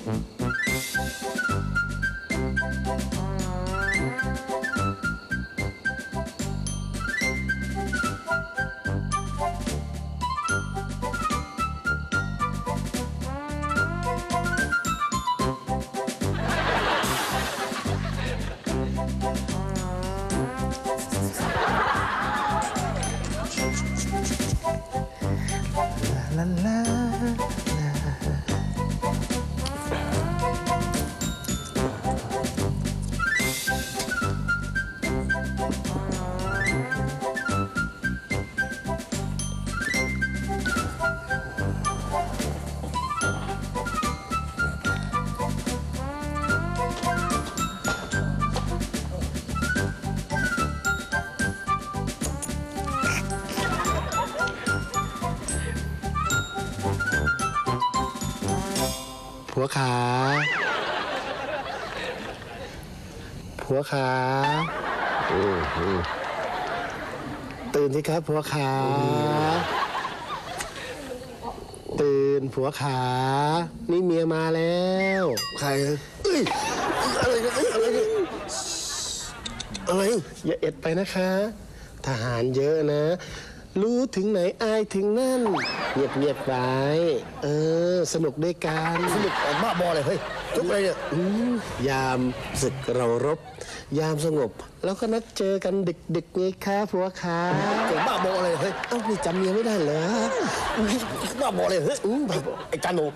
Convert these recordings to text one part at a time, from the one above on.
ผัวขาผัวขาตื่นสิครับผัวขาตื่นผัวขานี่เมียมาแล้วใครเอ้ยอะไรเนี่ยอะไรอย่าเอ็ดไปนะคะทหารเยอะนะรู้ถึงไหนอายถึงนั่นเงียบไว้สนุกด้วยกันสนุกบ้าบอเลยเฮ้ยทุกอะไรเนี่ยยามศึกเรารบยามสงบแล้วก็นัดเจอกันดึกๆไงคะผัวขาเก่งบ้าบอเลยเฮ้ยเอ้านี่จำเมียไม่ได้เหรอบ้าบอเลยเฮ้ยไอ้จานโน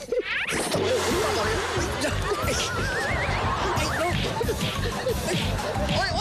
โอ๊ย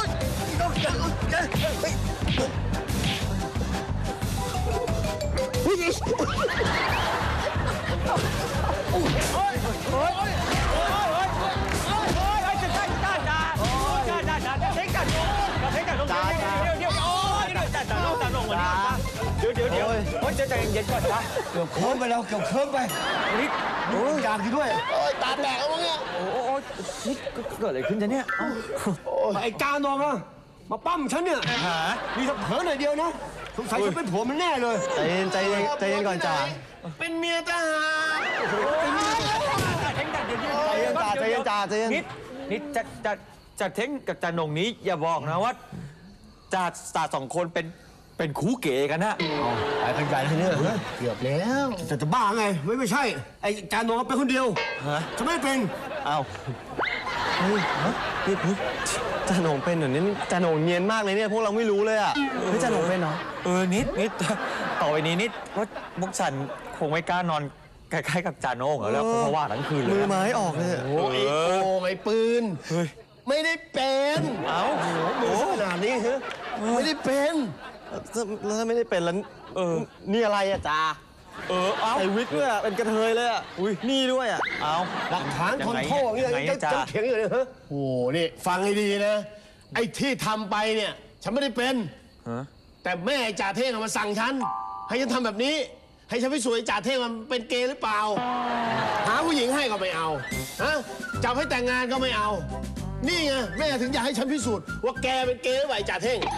ใจเย็นก่อนนะเกือบเคิร์ฟไปแล้วเกือบเคิร์ฟไปนี่อยากกินด้วยตาแตกแล้วมั้งเนี่ยโอ้นี่เกิดอะไรขึ้นจ๊ะเนี่ยไอ้กาโนมาปั้มฉันเนี่ยมีสักเผลอหน่อยเดียวนะสงสัยจะเป็นผัวมันแน่เลยใจเย็นก่อนจ่าเป็นเมียทหารใจเย็นจ่านี่จะเท้งกับจ่าหนงนี้อย่าบอกนะว่าจ่าสองคนเป็นคู่เก๋กันนะไอ้ขยันที่เนี่ยเกือบแล้วจะบ้าไงไม่ใช่ไอ้จานโนเป็นคนเดียวจะไม่เป็นนี่จ่าหนงเป็นเหรอนี่จ่าหนงเนียนมากเลยเนี่ยพวกเราไม่รู้เลยอ่ะจ่าหนงเป็นเหรอนิดต่อไปนี้นิดว่าพวกฉันคงไม่กล้านอนใกล้ๆกับจ่าโนงแล้วเพราะว่าทั้งคืนเลยมือไม้ออกเลยไอ้ปืนไม่ได้เป็นมือขนาดนี้ฮะไม่ได้เป็นแล้วถ้าไม่ได้เป็นแล้วนี่อะไรอะจ่าใส่วิกด้วยเป็นกระเทยเลยอะนี่ด้วยอะหลักฐานทนโทษอย่างนี้จะเถียงอยู่เลยฮะโอ้นี่ฟังให้ดีนะไอ้ที่ทำไปเนี่ยฉันไม่ได้เป็นแต่แม่จ่าเท่งมาสั่งฉันให้ฉันทำแบบนี้ให้ฉันไปสวยจ่าเท่งมันเป็นเกย์หรือเปล่าหาผู้หญิงให้ก็ไม่เอาจับให้แต่งงานก็ไม่เอานี่ไงแม่ถึงอยากให้ฉันพิสูจน์ว่าแกเป็นเกย์หรือเปล่าจ่าเท่ง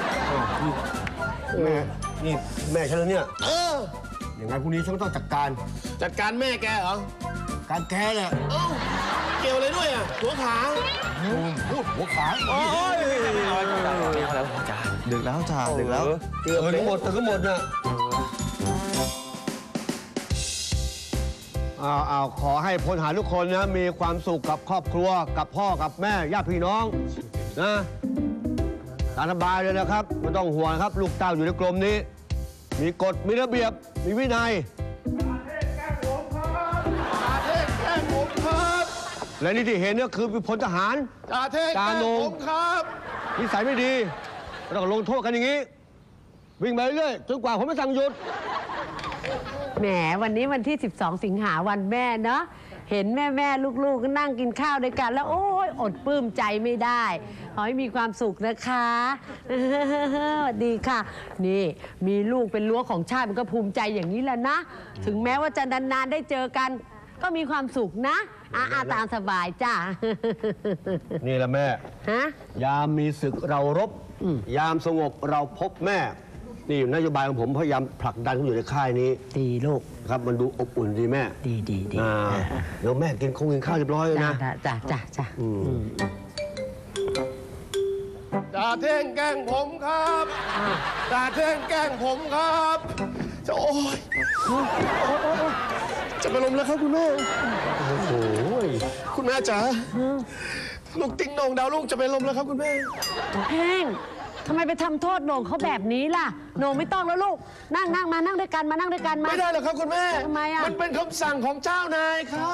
แม่นี่แม่ฉันแล้วเนี่ยอย่างไรพรุ่งนี้ฉันต้องจัดการแม่แกเหรอการแกเนี่ยเกี่ยวอะไรด้วยหัวขาพูดหัวขาแล้วจ่าดึกแล้วจ่าดึกแล้วเกือบหมดแต่ก็หมดน่ะขอให้พลทหารทุกคนนะมีความสุขกับครอบครัวกับพ่อกับแม่ญาติพี่น้องนะตามสบายเลยนะครับไม่ต้องห่วงครับลูกเต้าอยู่ในกรมนี้มีกฎมีระเบียบมีวินัยและนี่ที่เห็นเนี่ยคือพลทหารจ่าเทพแกล้งผมครับนิสัยไม่ดีต้องลงโทษกันอย่างนี้วิ่งไปเรื่อยจนกว่าผมจะสั่งหยุดแหมวันนี้วันที่12 สิงหาวันแม่เนาะเห็นแม่ลูกๆนั่งกินข้าวด้วยกันแล้วโอ้ยอดปลื้มใจไม่ได้ขอให้มีความสุขนะคะสวัสดีค่ะนี่มีลูกเป็นรั้วของชาติมันก็ภูมิใจอย่างนี้แหละนะถึงแม้ว่าจะนานๆได้เจอกันก็มีความสุขนะตามสบายจ้านี่แหละแม่ยามมีศึกเรารบยามสงบเราพบแม่นี่นโยบายของผมพยายามผลักดันเขาอยู่ในค่ายนี้ดีลูกครับมันดูอบอุ่นดีแม่ดีเดี๋ยวแม่กินข้าวเรียบร้อยเลยจ้านะจ้าจ่าเท่งแกล้งผมครับจ่าเท่งแกล้งผมครับจะโอ้ยจะไปนลมแล้วครับคุณแม่โอ้โหคุณแม่จ๋าลูกติ๊งโหน่งดาวลูกจะไปนลมแล้วครับคุณแม่เพ่งทำไมไปทำโทษโหน่งเขาแบบนี้ล่ะโหน่งไม่ต้องแล้วลูกนั่งมานั่งด้วยกันมานั่งด้วยกันมาไม่ได้หรอกครับคุณแม่ทำไมอ่ะมันเป็นคำสั่งของเจ้านายครับ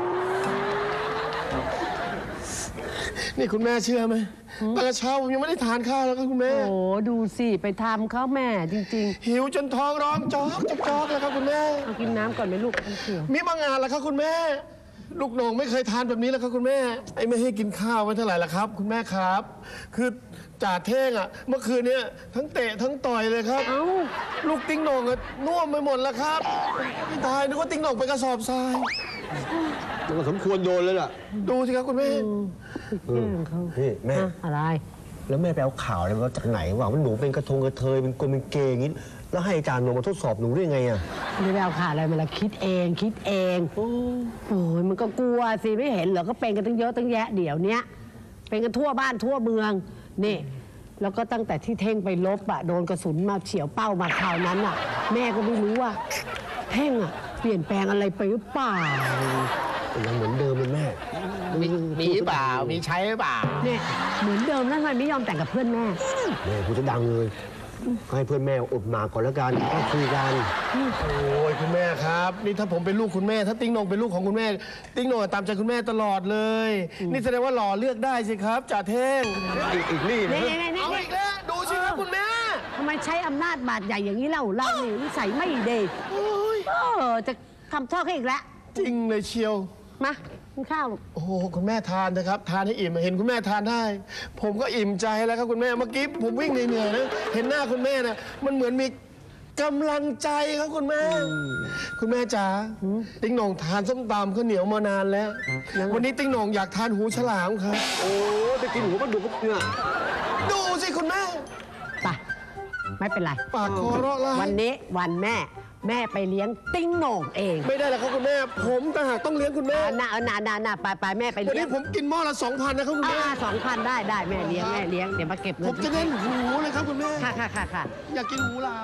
นี่คุณแม่เชื่อไหมตั้งแต่เช้าผมยังไม่ได้ทานข้าวแล้วครับคุณแม่โอ้ดูสิไปทำเขาแม่จริงหิวจนท้องร้องจอกแล้วครับคุณแม่ๆเอากินน้ำก่อนไหมลูกน้ำเขียวมีบางงานแล้วครับคุณแม่ ลูกโหน่งไม่เคยทานแบบนี้แล้วครับคุณแม่ ไอ้ไม่ให้กินข้าวไม่เท่าไหร่ละครับ คุณแม่ครับ คือจ่าเท่งอ่ะเมื่อคืนเนี้ยทั้งเตะทั้งต่อยเลยครับเอ้าลูกติ๊งโหน่งอะน่วมไปหมดแล้วครับไม่ตายนึกว่าติ๊งโหน่งไปกระสอบทรายมันก็สมควรโดนเลยล่ะดูสิครับคุณแม่แกล้งเขานี่แม่ฮะอะไรแล้วแม่ไปเอาข่าวอะไรมาจากไหนวะว่าหนูเป็นกระทงกระเทยเป็นกลมเป็นเกย์อย่างนี้แล้วให้อาจารย์ลงมาทดสอบหนูได้ยังไงอะไม่ได้เอาข่าวอะไรมาละคิดเองโอ้ยมันก็กลัวสิไม่เห็นเหรอก็เป็นกันตั้งเยอะตั้งแยะเดี๋ยวเนี้ยเป็นกันทั่วบ้านทั่วเมืองนี่แล้วก็ตั้งแต่ที่เท่งไปลบอะโดนกระสุนมาเฉียวเป้ามาคราวนั้นอะแม่ก็ไม่รู้ว่าเท่งอะเปลี่ยนแปลงอะไรไปหรือเปล่ายังเหมือนเดิมเลยแม่มีเปล่า มีใช้เปล่าเนี่ยเหมือนเดิมแล้วทำไมไม่ยอมแต่งกับเพื่อนแม่แม่พูดจะดังเลยให้เพื่อนแม่อดหมากก่อนแล้วกันก็คุยกันโอ้ยคุณแม่ครับ นี่ถ้าผมเป็นลูกคุณแม่ ถ้าติ๊งโหน่งเป็นลูกของคุณแม่ ติ๊งโหน่งตามใจคุณแม่ตลอดเลย นี่แสดงว่าหล่อเลือกได้สิครับจ่าเท่งอีกนี่นะนี่เอาอีกแล้วดูสิครับคุณแม่ทำไมใช้อำนาจบาดใหญ่อย่างนี้เล่าเรานี่นิสัยไม่ดีโอ้ยจะทำโทษเขาอีกแล้วจริงเลยเชียวมากินข้าวโอ้โหคุณแม่ทานนะครับ ทานให้อิ่มเห็นคุณแม่ทานได้ ผมก็อิ่มใจแล้วครับคุณแม่เมื่อกี้ผมวิ่งเหนื่อยๆนะเห็นหน้าคุณแม่นะมันเหมือนมีกำลังใจครับคุณแม่ คุณแม่จ๋าติ๊งโหน่งทานส้มตำข้าวเหนียวมานานแล้ว วันนี้ติ๊งโหน่งอยากทานหูฉลามครับโอ้จะกินหัวปลาดุกเนี่ยดูสิคุณแม่ไปไม่เป็นไรปากคอเราะลาวันนี้วันแม่ไปเลี้ยงติ้งโหน่งเองไม่ได้แล้วครับคุณแม่ ผมต่างหากต้องเลี้ยงคุณแม่น่าไปแม่ไปวันเลี้ยนี้งผมกินหม้อละ 2,000นะครับคุณแม่ 2,000ได้แม่เลี้ยงเดี๋ยวมาเก็บเงิผมจะเล่นหูเลยครับคุณแม่ค่ะอยากกินหูหลาม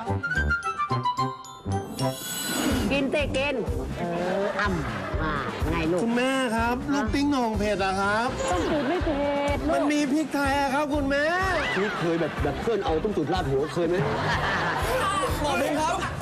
กินเตะกินไงลูกคุณแม่ครับ ลูกติ๊งโหน่งเผ็ดอะครับต้องสูตรไม่เผ็ดลูมันกมีพริกไทยอะครับคุณแม่นี่เคยแบบเพื่อนเอาต้มตุ๋นราดหัวเคยไหมหมอดุงครับ